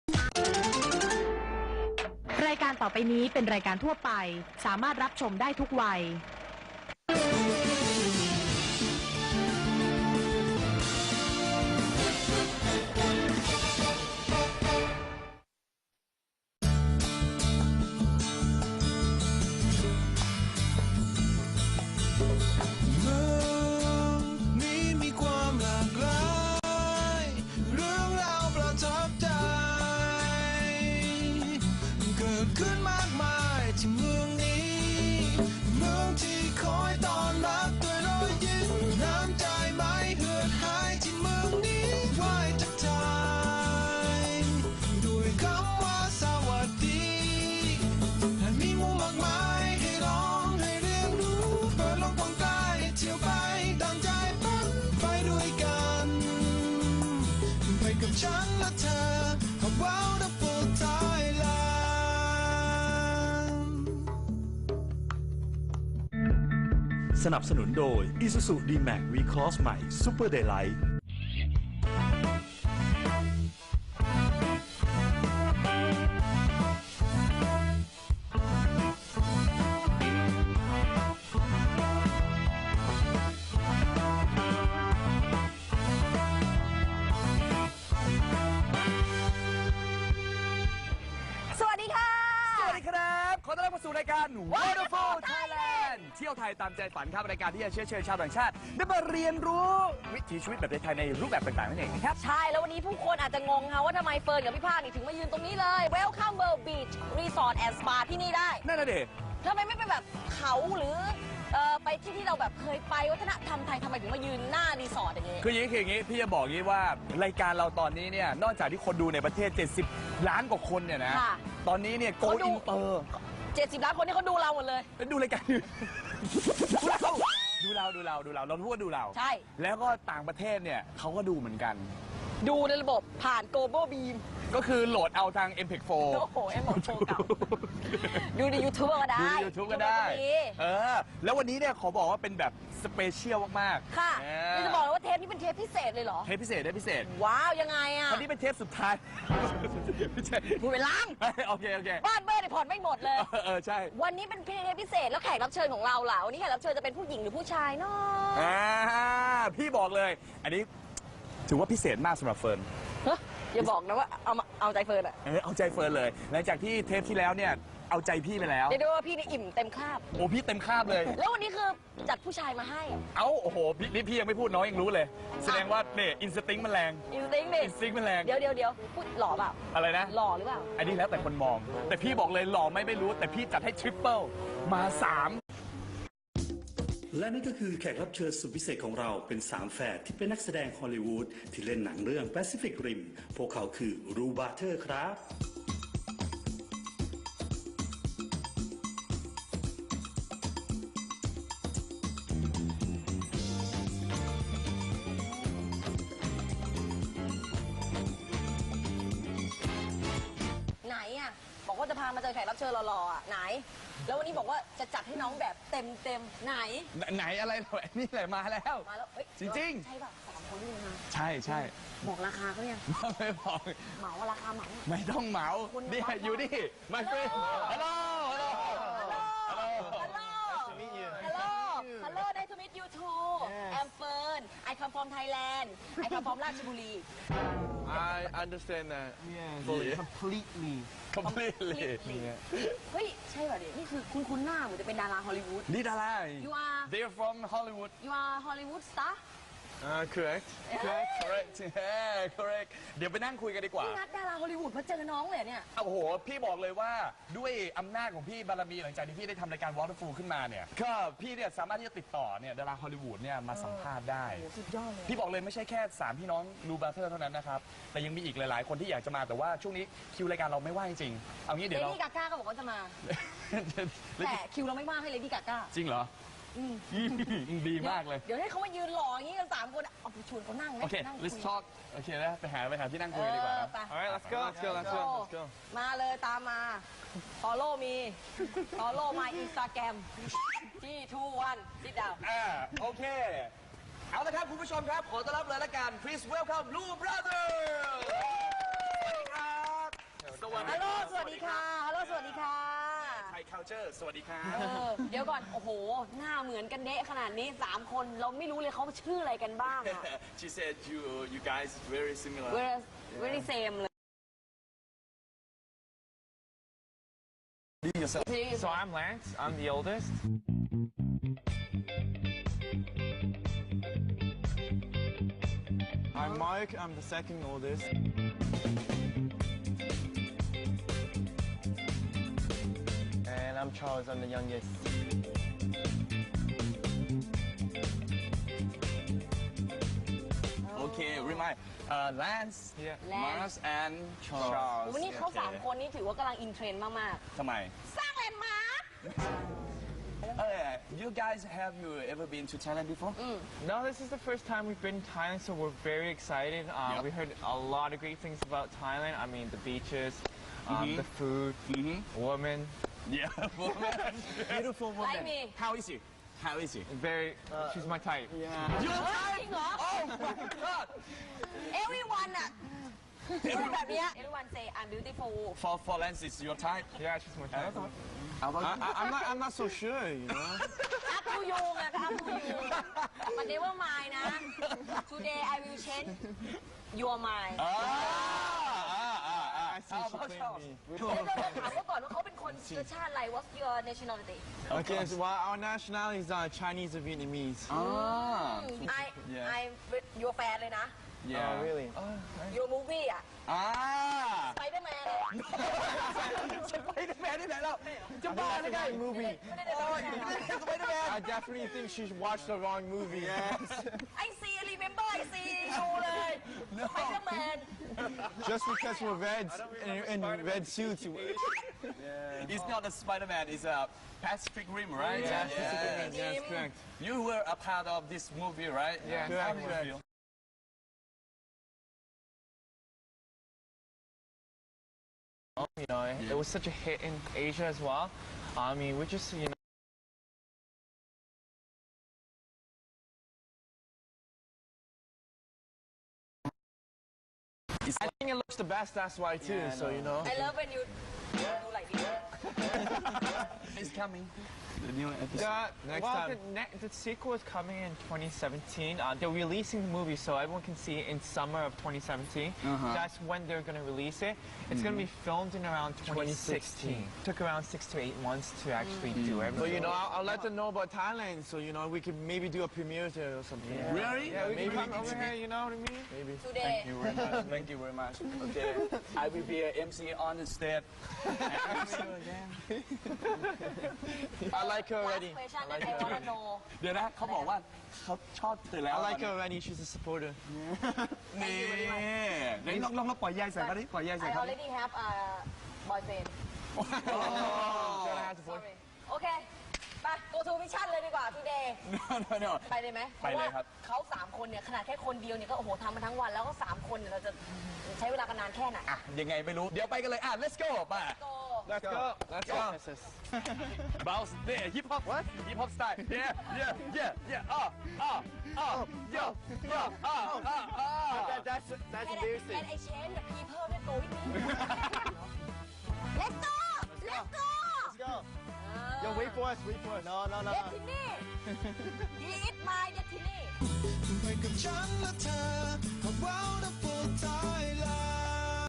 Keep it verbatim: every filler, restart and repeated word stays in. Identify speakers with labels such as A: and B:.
A: รายการต่อไปนี้เป็นรายการทั่วไปสามารถรับชมได้ทุกวัย
B: ขึ้นมากมายที่เมืองนี้เมืองที่คอยต้อนรับด้วยรอยยิ้มน้ำใจไม่เหือดหายที่เมืองนี้ไหวทักทายด้วยคำว่าสวัสดีและมีมุมมากมายให้ลองให้เรียนรู้เปิดโลกกว้างไกลเที่ยวไปดังใจฝันไปด้วยกันไปกับฉันและเธอ A wonderful Thailand
C: สนับสนุนโดย Isuzu D-Max V-Cross ใหม่ Super Daylight
D: ขอต้อนรับเข้าสู่รายการ Wonderful Thailand เที่ยวไทยตามใจฝันครับรายการที่จะเชื้อเชิญชาวต่างชาติได้มาเรียนรู้วิถีชีวิตแบบไทยในรูปแบบต่างๆนั่นเองนะครับ
E: ใช่แล้ววันนี้ผู้คนอาจจะงงค่ะว่าทำไมเฟิร์นกับพี่ภาคนี่ถึงมายืนตรงนี้เลย Welcome World Beach Resort and Spa ที่นี่ได้
D: นั่นแหละเด็ก
E: ทำไมไม่ไปแบบเขาหรือเอ่อไปที่ที่เราแบบเคยไปวัฒนธรรมไทยทำไมถึงมายืนหน้ารีสอร์ทอย่างนี้
D: คืออย่างนี้คืออย่างนี้พี่จะบอกงี้ว่ารายการเราตอนนี้เนี่ยนอกจากที่คนดูในประเทศเจ็ดสิบล้านกว่าคนเนี่ยนะตอนนี้เนี่ยโกอินเตอร์
E: เจ็ดสิบล้านคนที่เขาดูเราหมดเลย
D: ดูรายการดูเราดูเราดูเราเราพูดว่าดูเรา
E: ใช่
D: แล้วก็ต่างประเทศเนี่ยเขาก็ดูเหมือนกัน
E: ดูในระบบผ่าน Global Beam
D: ก็คือโหลดเอาทาง เอ็ม พี โฟร์
E: โอ้โห เอ็ม พี โฟร์ เก่าดูใน YouTube ก็ได้
D: ดูใน YouTube ก็ได้เออแล้ววันนี้เนี่ยขอบอกว่าเป็นแบบสเปเชียลมาก
E: ๆค่ะนี่จะบอกเลยว่าเทปนี้เป็นเทปพิเศษเลยเหรอ
D: เทปพิเศษได้พิเศษ
E: ว้าวยังไงอ่ะ
D: วันนี้เป็นเทปสุดท้ายไม่ใช่
E: พูดไปล้าง
D: โอเคโอเค
E: บ้านเบอร์เนี่ยผ่อนไม่หมดเลย
D: เออใช่
E: วันนี้เป็นเทปพิเศษแล้วแขกรับเชิญของเราล่ะวันนี้แขกรับเชิญจะเป็นผู้หญิงหรือผู้ชายเนาะ
D: อ่าพี่บอกเลยอันนี้ถือว่าพิเศษมากสำหรับเฟิร์น
E: อย่าบอกนะว่าเอาเอาใจเฟิร์นอะ
D: เออเอาใจเฟิร์นเลยหลังจากที่เทปที่แล้วเนี่ยเอาใจพี่ไปแล้ว
E: เดี๋ยวดูว่าพี่นี่อิ่มเต็มคาบ
D: โอ้พี่เต็มคาบเลย
E: แล้ววันนี้คือจัดผู้ชายมาให้
D: เอ้าโอ้โหนี่พี่ยังไม่พูดน้องยังรู้เลยแสดงว่าเนี่ยอินสติ้งมันแรง
E: อินสติ้งดิ
D: อินสติ้งมันแรง
E: เดี๋ยวเดี๋ยวเดี๋ยวพูดหล่อเปล่า
D: อะไรนะ
E: หล่อหรือเปล่า
D: อันนี้แล้วแต่คนมองแต่พี่บอกเลยหล่อไม่ไม่รู้แต่พี่จัดให้ทริปเปิลมาสาม
C: และนี่ก็คือแขกรับเชิญสุดพิเศษของเราเป็นสามแฝดที่เป็นนักแสดงฮอลลีวูดที่เล่นหนังเรื่อง Pacific Rim พวกเขาคือรูบาเทอร์ครับ
E: ไหนอ่ะบอกว่าจะพามาเจอแขกรับเชิญหล่อๆอ่ะไหนแล้ววันนี้บอกว่าจะจัดให้น้องแบบเต็มเต็มไหน
D: ไหนอะไรนี่แหละมาแล้ว
E: มาแล้ว
D: จริง
E: ๆใช่ป่ะสามคนนี่มา
D: ใช่ใช่
E: บอกราคาเขายัง
D: ไม่บอก
E: เหมาราคาเหมา
D: ไม่ต้องเหมานี่อยู่ดิมาเฟรนฮัลโหลฮัลโหล
E: ฮัลโหลฮัลโหลฮัลโหลฮัลโหล nice to meet you too I'm Fern I come from Thailand I come from ราชบุรี
F: I understand that
D: completely completely
E: เฮ้ยใช่ป่ะดินี่คือคุณคุณหน้าเหมือนจะเป็นดาราฮอลลีวูด
D: นี่ดารา
E: You are
D: They're from Hollywood
E: You are Hollywood star
F: Uh, correct.
D: Correct. Correct. Yeah, correct. เดี๋ยวไปนั่งคุยกันดีกว่า
E: พี่นัดดาราฮอลลีวูดมาเจอน้องเลยเนี่ย
D: โอ้โหพี่บอกเลยว่าด้วยอำนาจของพี่บารมีหลังจากที่พี่ได้ทำรายการ Waterful ขึ้นมาเนี่ยก็พี่เนี่ยสามารถที่จะติดต่อเนี่ยดาราฮอลลีวูดเนี่ยมาสัมภาษณ์ได้
E: สุดยอดเลย
D: พี่บอกเลยไม่ใช่แค่สามพี่น้องรูบาเทอร์เท่านั้นนะครับแต่ยังมีอีกหลายๆคนที่อยากจะมาแต่ว่าช่วงนี้คิวรายการเราไม่ว่างจริงเอางี้เดี๋ยวเรา
E: เลดี้กาก้าก็บอกว่าจะมาแต่คิวเราไม่ว่างให้เลดี้กาก้า
D: จริงเหรอดีมากเลย
E: เดี๋ยวให้เขามายืนรออย่างนี้กันสามคนเอาไปชวนเขานั่งไหม
D: โอเค let's talk โอเคนะไปหาไปหาที่นั่งคุยดีกว่า
F: Alright let's go let's go let's go let's go
E: มาเลยตามมา follow me follow my Instagram ที่ two one sit down
D: อ่าโอเคเอาละครับคุณผู้ชมครับขอต้อนรับเลยละกัน please welcome Blue Brothers สวัสดีครับ culture สวัสดีครับ
E: เออเดี๋ยวก่อน โอ้โห หน้าเหมือนกันเดะขนาดนี้สามคนเราไม่รู้เลยเขาชื่ออะไรกันบ้างอะ
D: She said you you guys very similar
E: We're very same เลย
D: Do yourself
F: So I'm Lance. I'm the oldest. I'm Mark. I'm the second oldest. And I'm Charles. I'm the youngest.
D: Okay remind uh, Lance
F: Yeah.
D: Mars and Charles
E: วันนี้เขาสามคนนี้ถือว่ากำลังอินเทรนด์มาก
D: ทำไม
E: ๆ สร้างแลนด์มาร์ค
D: Uh, you guys have you ever been to Thailand before?
F: No, this is the first time we've been in Thailand, so we're very excited. Uh,
D: Yep.
F: We heard a lot of great things about Thailand. I mean, the beaches, um, the food, women.
D: Yeah, woman. Beautiful woman.
E: Like me.
D: How is she? How is she?
F: Very. she's my type.
D: Your
E: เฮ้ย
D: type?
E: จริงเหรอ
D: Oh my god!
E: everyone อะพูดแบบเนี้ย everyone say I'm beautiful
D: For for Lance is your type.
F: Yeah, she's my type.
D: How about
F: I, I, I'm not. I'm not so sure. You know.
E: up to you ไงก็ up to you มัน never mind นะ today I will change your mind
D: Ah, ah, ah, ah.
F: I see
D: How
F: she
D: about
F: claimed
D: Charles?
F: me.
E: เดี๋ยวเราถามเขาก่อนว่าเขาเป็นคนเชื้อชาติอะไร what's your nationality
F: Okay, so well, our nationality is uh, Chinese or Vietnamese.
D: Ah,
E: I
D: Yeah.
E: I your fan เลยนะ
D: yeah.
F: Oh, really?
E: your movie อะ
D: Ah.
E: Spider-Man
D: สไปเดอร์แมนที่ไหนเราจะบ้าหรือไง
F: Movie.
E: ไม่ได้ในโลกนะ
D: สไปเดอร์แมน
F: I definitely think she watched the wrong movie. Yes.
E: I see remember I see you เลย Spider-Man
F: Just because we're reds in, in red suits.
D: It's not a Spider-Man, it's a Pacific Rim, right?
F: Yeah,
D: Yeah.
F: yes, correct.
D: You were a part of this movie, right?
F: Yeah,
D: How
F: correct,
D: did you
F: correct.
D: feel?
F: You know, it, it was such a hit in Asia as well. I mean, we just, you know.
D: It's
F: I think it looks the best, that's why too,
D: Yeah, I
F: so you know.
E: I love when you do like this
D: It's coming. The new episode.
F: Yeah,
D: Next
F: well,
D: time.
F: The, ne- the sequel is coming in twenty seventeen. Uh, they're releasing the movie so everyone can see it in summer of twenty seventeen.
D: Uh-huh.
F: That's when they're going to release it. It's going to be filmed in around twenty sixteen. Took around six to eight months to actually do everything.
G: So, you know, I'll, I'll let them know about Thailand, so, you know, we could maybe do a premiere there or something.
D: Really?
F: Yeah, we
G: maybe
F: can come
G: we
F: over
G: can-
F: here, you know what I mean?
G: Maybe.
E: today
D: Thank you very much. Thank you very much. Okay. I will be an M C on the stage.
G: I like her
E: last
G: already.
E: question
G: I like
E: that I
G: her.
E: wanna know
D: เดี๋ยวนะเขาบอกว่าเขาชอบเธอแล้ว
G: I like her already. She's a supporter.
D: นี่เดี๋ยวลองลองลองปล่อยใยใส่เขาดิปล่อยใยใส่
E: I
D: เขาดิ
E: already have a boyfriend
G: Gonna have to vote.
E: sorry โอเคไป go to mission เลยดีกว่า today
D: no no no
E: ไปเลยไหม
D: ไปเลยครับ
E: พาะว่าเขาสามคนเนี่ยขนาดแค่คนเดียวเนี่ยก็โอ้โหทำมาทั้งวันแล้วก็สามคนเนี่ยเราจะใช้เวลากันนานแค่ไหน
D: อ่ะยังไงไม่รู้ เดี๋ยวไปกันเลยอ่ะ let's go ไป
E: go
G: Let's go. Let's go.
D: bounce เนี่ย hip hop what hip hop style yeah yeah yeah yeah อ่ะอ่ะอ่ะ yo yo อ่ะอ่ะอ่ะ
G: That, that's that's
E: Can I,
G: embarrassing.
E: can I change the people that go with me let's go let's go
G: Let's go. Yo, wait for us. Wait for us. No, no, no. no.
E: destiny he is my destiny
B: ไปกับฉันและเธอ A wonderful Thailand